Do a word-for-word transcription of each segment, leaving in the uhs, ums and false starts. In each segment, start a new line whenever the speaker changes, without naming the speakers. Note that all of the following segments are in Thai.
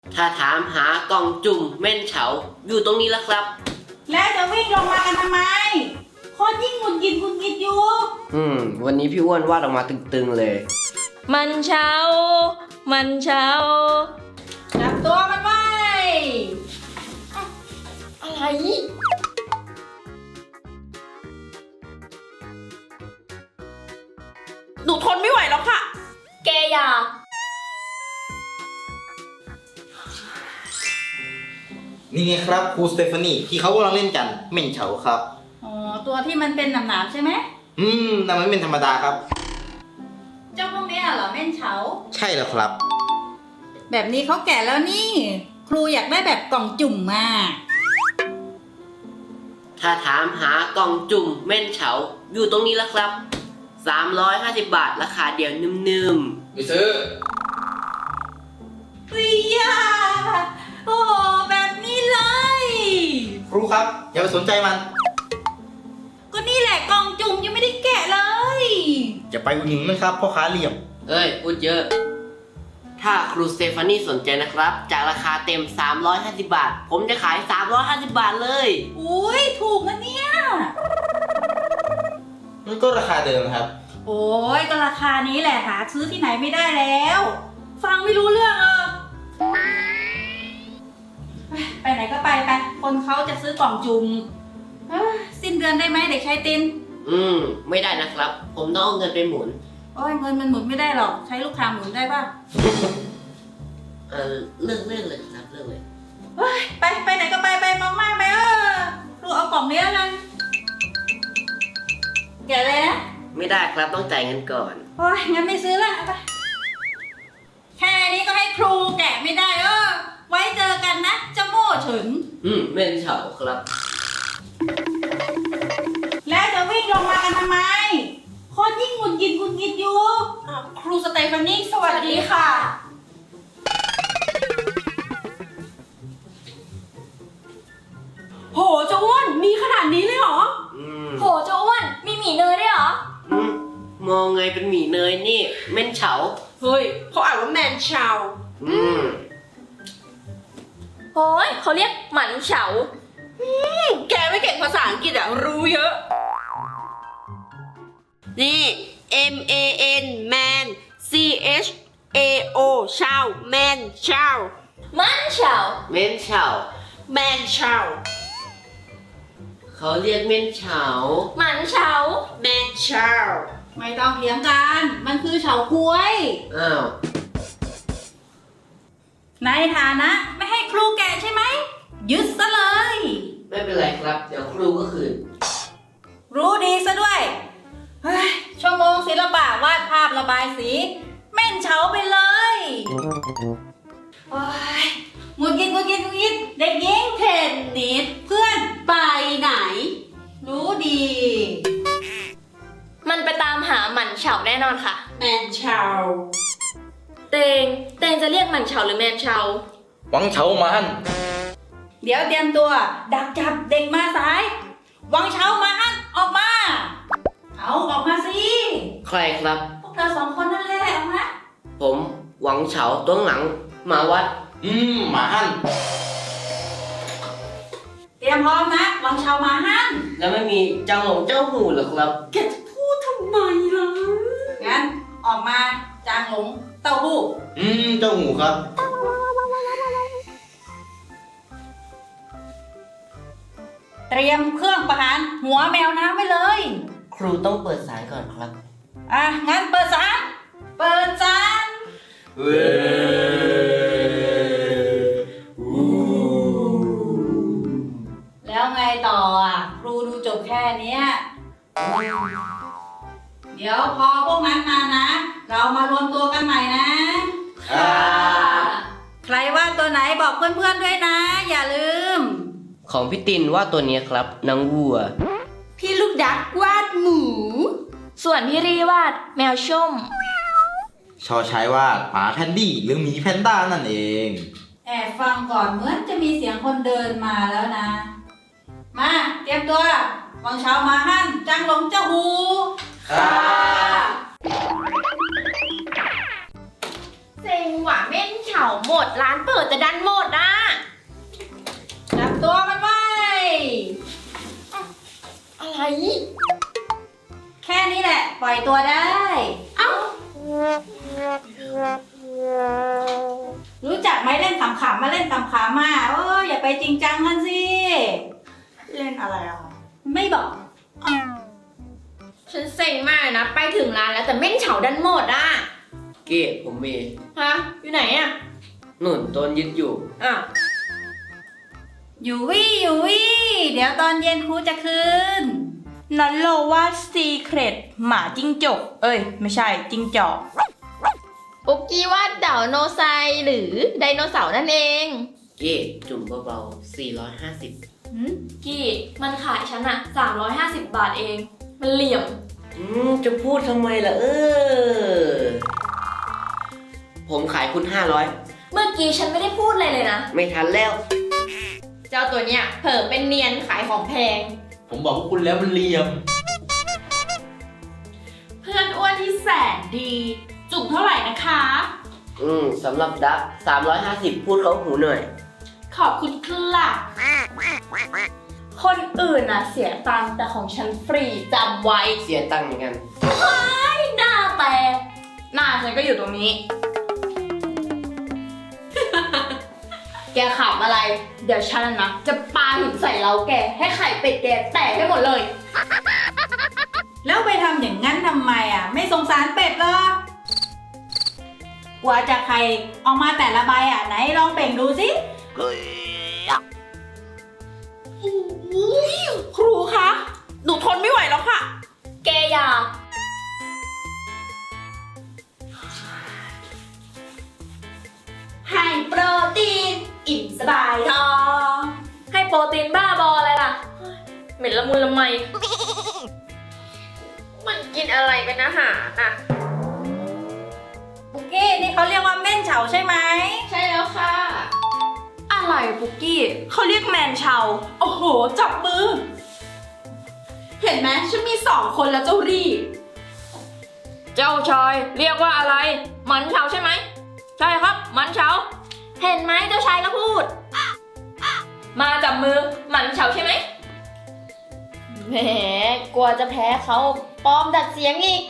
ถ้าถามหากล่องจุ่มเม่นเฉาอยู่ตรงนี้แล้วครับ
แล้วจะวิ่งลงมากันทำไมคนยิ่งหงุดหงิดหงุดหงิดอยู่
อืม วันนี้พี่อ้วนวาดออกมาตึงๆเลย
มันเช้า มันเช้า
จับตัวมันไว้
อะไร
หนูทนไม่ไหวแล้วค่ะ
แกอย่า
นี่ไงครับครูสเตฟานีที่เขากำลังเล่นกันเหม่นเฉาครับ
อ๋อ ตัวที่มันเป็นหนามๆใช่ไหม
อืมแต่มันไม่เป็นธรรมดาครับ
เจ้าพวกเนี้ยเหรอแม่นเฉา
ใช่แล้วครับ
แบบนี้เขาแก่แล้วนี่ ครูอยากได้แบบกล่องจุ่มมา
ถ้าถามหากล่องจุ่มเม่นเฉาอยู่ตรงนี้แล้วครับสามร้อยห้าสิบบาทราคาเดียวนึ่ม
ไปซื้อ
วิยาโอ้โหแบบนี้เลย
ครูครับ อย่าไปสนใจมัน
ก็นี่แหละกล่องจุ่มยังไม่ได้แกะเลย
อย่าไปอุดหนุนมันครับพ่อค้าเหลี่ยม
ๆเอ้ย พูดเยอะ ถ้าครูสเตฟานีสนใจนะครับ จากราคาเต็ม สามร้อยห้าสิบบาท ผมจะขาย สามร้อยห้าสิบบาทเลย
อุ้ยถูกนะเนี่ย
มันก็ราคาเดิมครับ
โอ้ยก็ราคานี้แหละหาซื้อที่ไหนไม่ได้แล้ว ฟังไม่รู้เรื่องเออไปไหนก็ไปไปคนเขาจะซื้อกล่องจุ่มเอ้ยสิ้นเดือนได้ไหมเด็กชายติน
อืม ไม่ได้นะครับ ผมต้องเอาเงินไปหมุน
โอ้ยเงินมันหมุนไม่ได้หรอกใช้ลูกค้าหมุนได้ป่ะ
เออเลิกเลิกเลยครับเลิกเลย
เฮ้ยไปไปไหนก็ไปไปมองมากไปเออลูกเอากล่องนี้แล้วกันแกะเลยนะ
ไม่ได้ครับต้องจ่ายเงินก่อน
โอ้ยงั้นไม่ซื้อละไปแค่นี้ก็ให้ครูแกะไม่ได้เออไว้เจอกันนะเจ้าโม่เฉิน
อืมเม่นเฉาครับ
แล้วจะวิ่งลงมากันทำไม คนยิ่งหงุดหงิดหงุดหงิดอยู่อ้าวครูสเตฟานีสวัสดีค่ะ
โหเจ้าอ้วนมีขนาดนี้เลยเหรอ
อืม
โหเจ้าอ้วนมีหมี่เนยด้วยเหรอ
อืมมองไงเป็นหมี่เนยนี่เม่นเฉา
เฮ้ยเขาอ่านว่าแมนชาว
อืม
โอ้ยเขาเรียกหมันเฉา
แกไม่เก่งภาษาอังกฤษอะรู้เยอะ นี่ M A N man C H A O ชาว man ชาว
มันเฉา
เม่นเฉา
man ชาว
เขาเรียกเม่นเฉา
หมันเฉา
man ชาว
ไม่ต้องเถียงกัน มันคือเฉาก๊วย
อ้าว
ในฐานะไม่ให้ครูแกะใช่ไหม ยึดซะเลย
ไม่เป็นไรครับ เดี๋ยวครูก็คืน
รู้ดีซะด้วย เฮ้ย ชั่วโมงศิลปะวาดภาพระบายสี แม่นเฉาไปเลยโอ้ยหงุดหงิดหงุดหงิดหงุดหงิดเด็กหญิงเทนนิสเพื่อนไปไหน รู้ดี
มันไปตามหาหมันเฉาแน่นอนค่ะ
แมนชาว
เตง เตงจะเรียกหมันเฉาหรือแมนเฉา
หวังเฉามัน
เดี๋ยวเตรียมตัว ดักจับเด็กมาสาย วังเช้ามาอันออกมา เอาออกมาสิ
ใครครับ
พวกเธอสองคนนั่นแหละออกมา
ผมหวังเฉาตัวหลังมาวัด
อืมหมาหั่น
เตรียมพร้อมนะ วังเช้ามาฮัน
แล้วไม่มีเจ้าหลงเจ้าหูเหรอครับ
แกจะพูดทำไมล่ะ
งั้นออกมาจางหลงเต้าหู้
อืมเจ้าหูครับ
เตรียมเครื่องประหารหัวแมวน้ำไว้เลย
ครูต้องเปิดสายก่อนครับ
อ่ะ งั้นเปิดสารเปิดสาร
เว้
แล้วไงต่ออ่ะ ครูดูจบแค่เนี้ยเดี๋ยวพอพวกนั้นมานะ เรามารวมตัวกันใหม่นะ
ครับ
ใครว่าตัวไหนบอกเพื่อนๆด้วยนะ อย่าลืม
ของพี่ตินว่าตัวนี้ครับนางวัว
พี่ลูกดักวาดหมู
ส่วนพี่รีวาดแมวส้ม
ชอใช้ว่าหมาแพนดี้หรือหมีแพนด้านั่นเอง
แอบฟังก่อนเหมือนจะมีเสียงคนเดินมาแล้วนะ มาเตรียมตัววังเช้ามาหั่นจังหลงเจ้าหู
ครับ
เส
เซ็งว่ะเม่นเฉาหมดร้านเปิดแต่ดันหมดอ่ะ
จับตัวมันไว้
อะไร
แค่นี้แหละ ปล่อยตัวได้
เอ้า
รู้จักไหมเล่นขำๆมาเล่นขำๆมาเอออย่าไปจริงจังกันสิ
เล่นอะไรอ่ะ
ไม่บอก
ฉันเซ็งมากเลยนะ ไปถึงร้านแล้วแต่เม่นเฉาดันหมดอ่ะ
เกดผมมี
ฮะ อยู่ไหนอ่ะ
นุ่นโดนยึดอยู่
อ่ะ
อยู่วี่อยู่วี่เดี๋ยวตอนเย็นครูจะคืน
นันโลว่าซีเครตหมาจิ้งจก เอ้ย ไม่ใช่จิ้งจอก
ปุ๊กกี้ว่าดาวโนไซหรือไดโนเสาร์นั่นเอง
เกดจุ่มเบาๆสี่ร้อยห้าสิบ
หืมกี้มันขายฉันอะสามร้อยห้าสิบบาทเอง มันเหลี่ยม
อืมจะพูดทำไมล่ะเออ ผมขายคุณห้าร้อย
เมื่อกี้ฉันไม่ได้พูดอะไรเลยนะ
ไม่ทันแล้ว
เจ้าตัวเนี้ยเผลอเป็นเนียนขายของแพง
ผมบอกพวกคุณแล้วมันเหลี่ยม
เพื่อนอ้วนที่แสนดี จุ่มเท่าไหร่นะคะ
อืมสำหรับดักสามร้อยห้าสิบพูดเขาหูหน่อย
ขอบคุณค่ะคนอื่นน่ะเสียตังค์แต่ของฉันฟรีจำไว้
เสียตังค์เหมือนกัน
หน้าแตกหน้าฉันก็อยู่ตรงนี้ แกขับอะไร เดี๋ยวฉันนะจะปาหินใส่เราแก ให้ไข่เป็ดแกแตกให้หมดเลย
แล้วไปทำอย่างนั้นทำไมอ่ะ ไม่สงสารเป็ดเหรอกว่าจะใครออกมาแต่ละใบอ่ะไหนลองเป่งดูสิ
ครูคะ หนูทนไม่ไหวแล้วค่ะ
แกอย่า
ให้โปรตีน อิ่มสบายท้อง
ให้โปรตีนบ้าบออะไรล่ะ เหม็นละมุนละไม มันกินอะไรเป็นอาหารอ่ะ
บุกกี้นี่เขาเรียกว่าเม่นเฉาใช่ไหม
ใช่แล้วค่ะ
อะไรปุกกี้เขาเรียกแมนชาวโอ้โห จับมือ เห็นไหมฉันมีสองคนแล้วเจ้ารี่
เจ้าชายเรียกว่าอะไร มันเฉาใช่ไหม ใช่ครับ มันเฉา เห็นไหมเจ้าชายก็พูด มาจับมือ มันเฉาใช่ไหมแหมกลัวจะแพ้เขาปลอมดัดเสียงอีก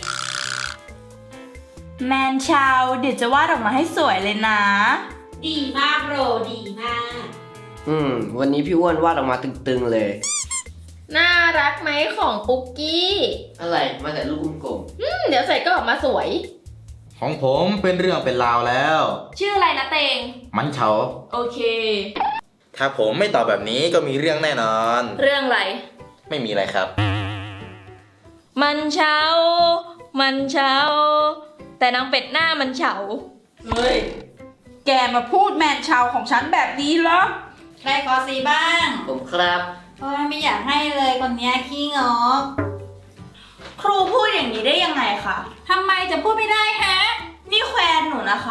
แมนชาวเดี๋ยวจะวาดออกมาให้สวยเลยนะ
ดีมากโรดีมาก
อืม วันนี้พี่อ้วนวาดออกมาตึงๆเลย
น่ารักไหมของปุ๊กกี้
อะไรมาแต่ลูกกลม
อืมเดี๋ยวใส่ก็ออกมาสวย
ของผมเป็นเรื่องเป็นราวแล้ว
ชื่ออะไรนะเตง
มันเฉา
โอเค
ถ้าผมไม่ตอบแบบนี้ก็มีเรื่องแน่นอน
เรื่องอะไร
ไม่มีอะไรครับ
มันเฉา มันเฉา แต่นางเป็ดหน้ามันเฉา
เฮ้ย แกมาพูดแมนชาวของฉันแบบนี้เหรอ
ใครขอสีบ้าง
ๆผมครับ
โอ้ยไม่อยากให้เลยคนเนี้ยขี้งก
ครูพูดอย่างนี้ได้ยังไงคะ
ทำไมจะพูดไม่ได้ฮะ
นี่แควนหนูนะคะ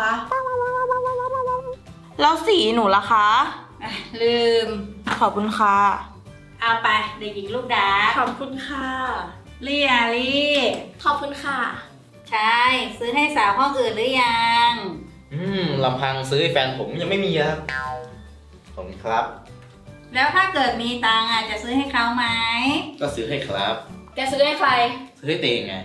แล้วสีหนูล่ะคะ
อ่ะลืม
ขอบคุณค่ะ
เอาไปเด็กหญิงลูกดา
ขอบคุณค่ะ
เรียลี่
ขอบคุณค่ะ
ใช่ ซื้อให้สาวห้องอื่นหรือยัง
อืมลำพังซื้อให้แฟนผมยังไม่มีครับผมครับ
แล้วถ้าเกิดมีตังค์อ่ะจะซื้อให้เขาไหม
ก็ซื้อให้ครับ
แกซื้อให้ใคร
ซื้อให้เตงไง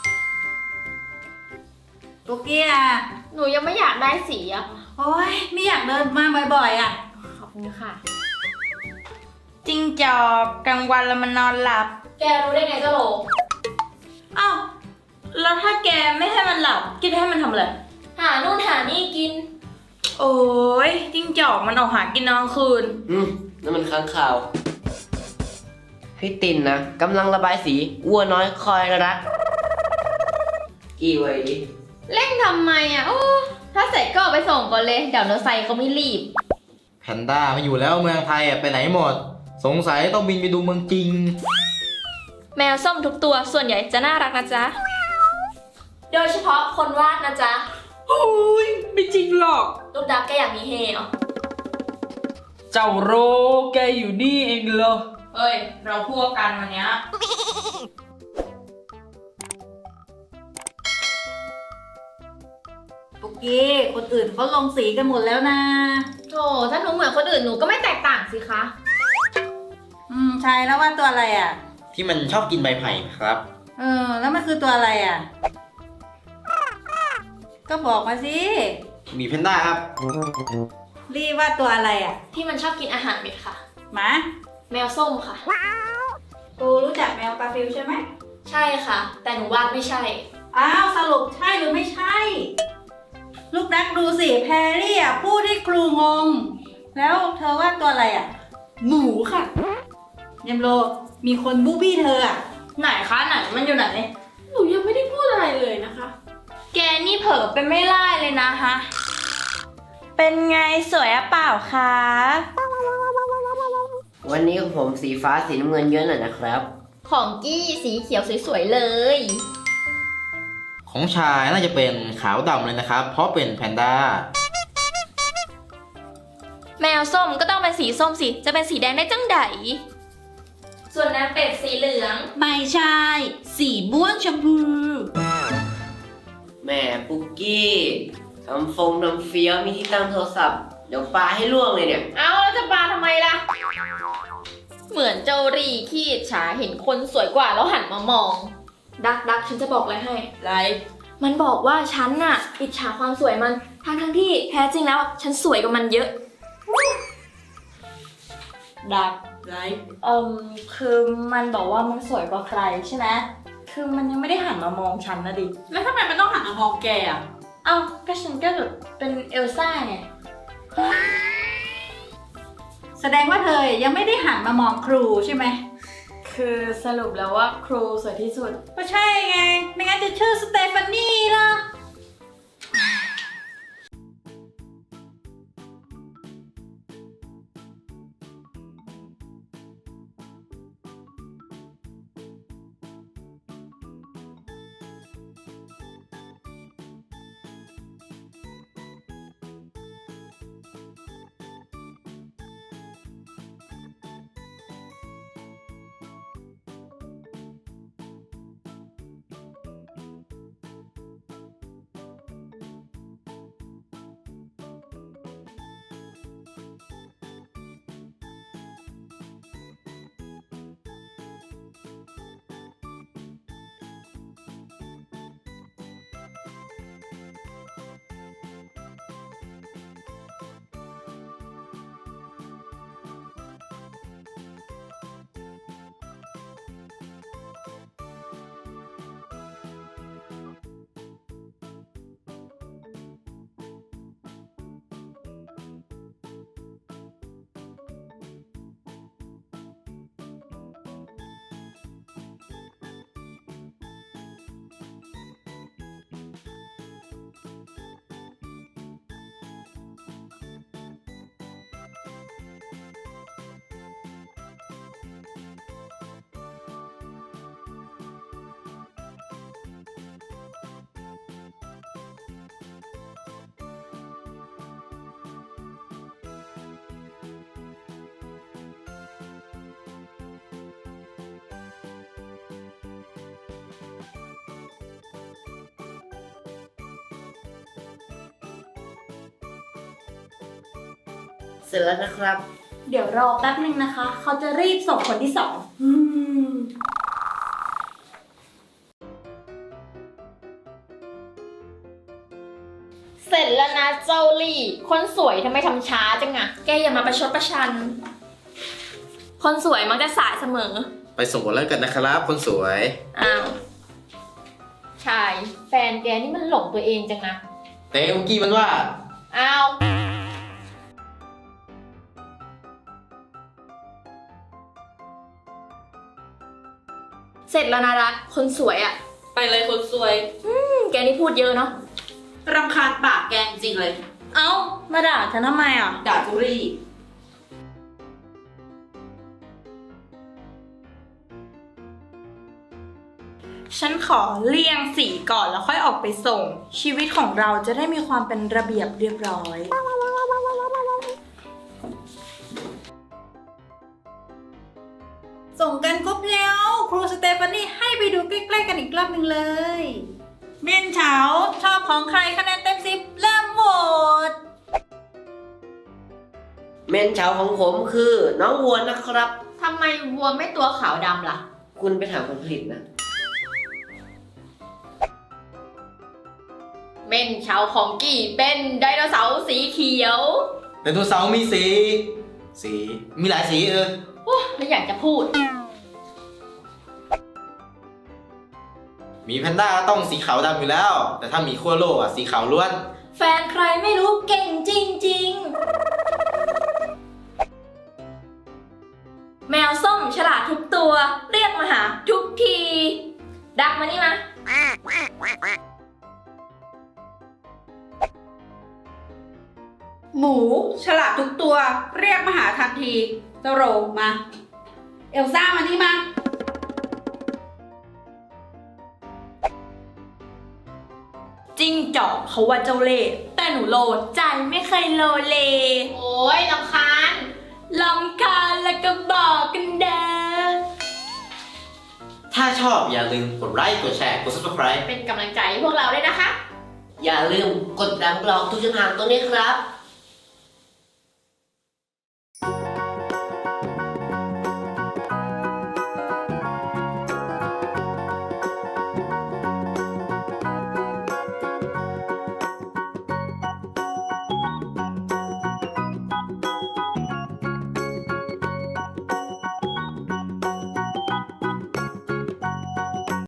ปุกกี้อ่ะ
หนูยังไม่อยากได้สีอะ
โอ้ยไม่อยากเดินมาบ่อยๆอ่ะ
ขอบคุณค่ะ
จิ้งจอกกลางวันแล้วมันนอนหลับ
แกรู้ได้ไงเจ้าโหล
อ้าว แล้วถ้าแกไม่ให้มันหลับ กินให้มันทำอะไร
หานู่นหานี่กิน
โอ้ยจิ้งจอกมันออกหากินกลางคืน
อืมนั่นมันค้างข่าว พี่ตินนะกำลังระบายสีวัวน้อยคอยรัก กี่ไว้ดิ
เร่งทำไมอะโอ้ถ้าเสร็จก็เอาไปส่งก่อนเลย เดี๋ยวโนไซเขาไม่รีบ
แพนด้าไม่อยู่แล้วเมืองไทยอ่ะไปไหนหมด สงสัยต้องบินไปดูเมืองจริง
แมวส้มทุกตัวส่วนใหญ่จะน่ารักนะจ๊ะ โดยเฉพาะคนวาดนะจ๊ะ
โอ้ยไม่จริงหรอก
ลูกดักแกอยากมีเฮเหรอ
เจ้าโรแกอยู่นี่เองเหรอ เฮ้ย เราพวกกันวันเนี้ย
ปุกกี้ คนอื่นเขาลงสีกันหมดแล้วนะ
โธ่ถ้าหนูเหมือนคนอื่นหนูก็ไม่แตกต่างสิคะ
อืมใช่แล้วว่าตัวอะไรอ่ะ
ที่มันชอบกินใบไผ่ครับ
เออ แล้วมันคือตัวอะไรอ่ะ ก็บอกมาสิ
มีแพนด้าครับ
รีว่าตัวอะไรอ่ะ
ที่มันชอบกินอาหารเม็ดค่ะ
หมา
แมวส้มค่ะ
กูรู้จักแมวกาฟิลใช่ไหม
ใช่ค่ะ แต่หนูวาดไม่ใช่
อ้าวสรุปใช่หรือไม่ใช่ ลูกนักดูสิแพรรี่อ่ะพูดให้ครูงง แล้วเธอว่าตัวอะไรอ่ะ
หมูค่ะ
ยมโลมีคนบูบี้เธออ่ะ
ไหนคะไหนมันอยู่ไหน
หนูยังไม่ได้พูดอะไรเลยนะคะ
แกนี่เผลอเป็นไม่ไล่เลยนะฮะ
เป็นไงสวยอะเปล่าคะ
วันนี้ของผมสีฟ้าสีน้ำเงินเยอะหน่อยนะครับ
ของกี้สีเขียวสวยๆเลย
ของชายน่าจะเป็นขาวดำเลยนะครับ เพราะเป็นแพนด้า
แมวส้มก็ต้องเป็นสีส้มสิ จะเป็นสีแดงได้จังไดส่วนนางเป็ดสีเหลือง
ไม่ใช่ สีม่วงชมพู
แม่ปุกกี้ทำฟงทำเฟี้ยวมีที่ตั้งโทรศัพท์ เดี๋ยวปาให้ล่วงเลยเนี่ย
เอาแล้วจะปาทำไมล่ะ เหมือนเจ้ารีขี้อิจฉาเห็นคนสวยกว่าแล้วหันมามอง ดักดักฉันจะบอกอะไรให้
ไร
มันบอกว่าฉันน่ะอิจฉาความสวยมันทั้งทั้งๆที่แท้จริงแล้วฉันสวยกว่ามันเยอะ
ดักไร
เอ่มคือมันบอกว่ามันสวยกว่าใครใช่ไหมคือมันยังไม่ได้หันมามองฉันนะดิ
แล้วทำไมมันต้องหันมามองแกอ่ะ
เอ้าก็ฉันก็แบบเป็นเอลซ่าไง
แสดงว่าเธอยังไม่ได้หันมามองครูใช่ไหม
คือสรุปแล้วว่าครูสวยที่สุด
ก็ใช่ไง ไม่งั้นจะชื่อสเตฟานี่ล่ะ
เสร็จแล้วนะครับ
เดี๋ยวรอแป๊บนึงนะคะ เขาจะรีบส่งคนที่สอง เสร็จแล้วนะเจ้าลี่ คนสวยทำไมทำช้าจังอะแกอย่ามาประชดประชัน คนสวยมักจะสายเสมอ
ไปส่งผลแล้วกันนะครับ คนสวย
อ้าวชาย แฟนแกนี่มันหลงตัวเองจังนะ
แต่เมื่อกี้มันว่า
อ้าว เสร็จแล้วนะรัก คนสวยอะ
ไปเลยคนสวย
อืมแกนี่พูดเยอะเนาะ
รำคาญปากแกจริงเลย
เอ้า มาด่าฉันทำไมอ่ะ
ด่าจุรี่
ฉันขอเลี่ยงสีก่อนแล้วค่อยออกไปส่ง ชีวิตของเราจะได้มีความเป็นระเบียบเรียบร้อย
ส่งกันครบแล้ว ครูสเตฟานี่ให้ไปดูใกล้ๆกันอีกรอบหนึ่งเลย เม่นเฉาชอบของใครคะแนนเต็มสิบเล
เมนเฉาของผมคือน้องวัวนะครับ
ทำไมวัวไม่ตัวขาวดำล่ะ
คุณไปถามคนผลิตนะ
เม่นเฉาของกี่เป็นไดโนเสาร์สีเขียว
ไดโนเสาร์มีสี สี มีหลายสีเออ
โอ้ไม่อยากจะพูด
หมีแพนด้าต้องสีขาวดำอยู่แล้ว แต่ถ้าหมีขั้วโลกอ่ะสีขาวล้วน
แฟนใครไม่รู้เก่งจริงๆ แมวส้มฉลาดทุกตัว เรียกมาหาทุกที ดักมานี่มา
หมูฉลาดทุกตัว เรียกมาหาทันทีเจ้าโรมา เอลซ่ามานี่มา จิ้งจอกเขาว่าเจ้าเล่ห์แต่หนูโลใจไม่เคยโลเล
โอ้ยลำคาญ
ลำคาญแล้วก็บอกกันเด้อ
ถ้าชอบอย่าลืมกดไลค์ กดแชร์ กด ซับสไครบ์
เป็นกำลังใจให้พวกเราด้วยนะคะ
อย่าลืมกดดังกรองทุกช่องทางตรงนี้ครับ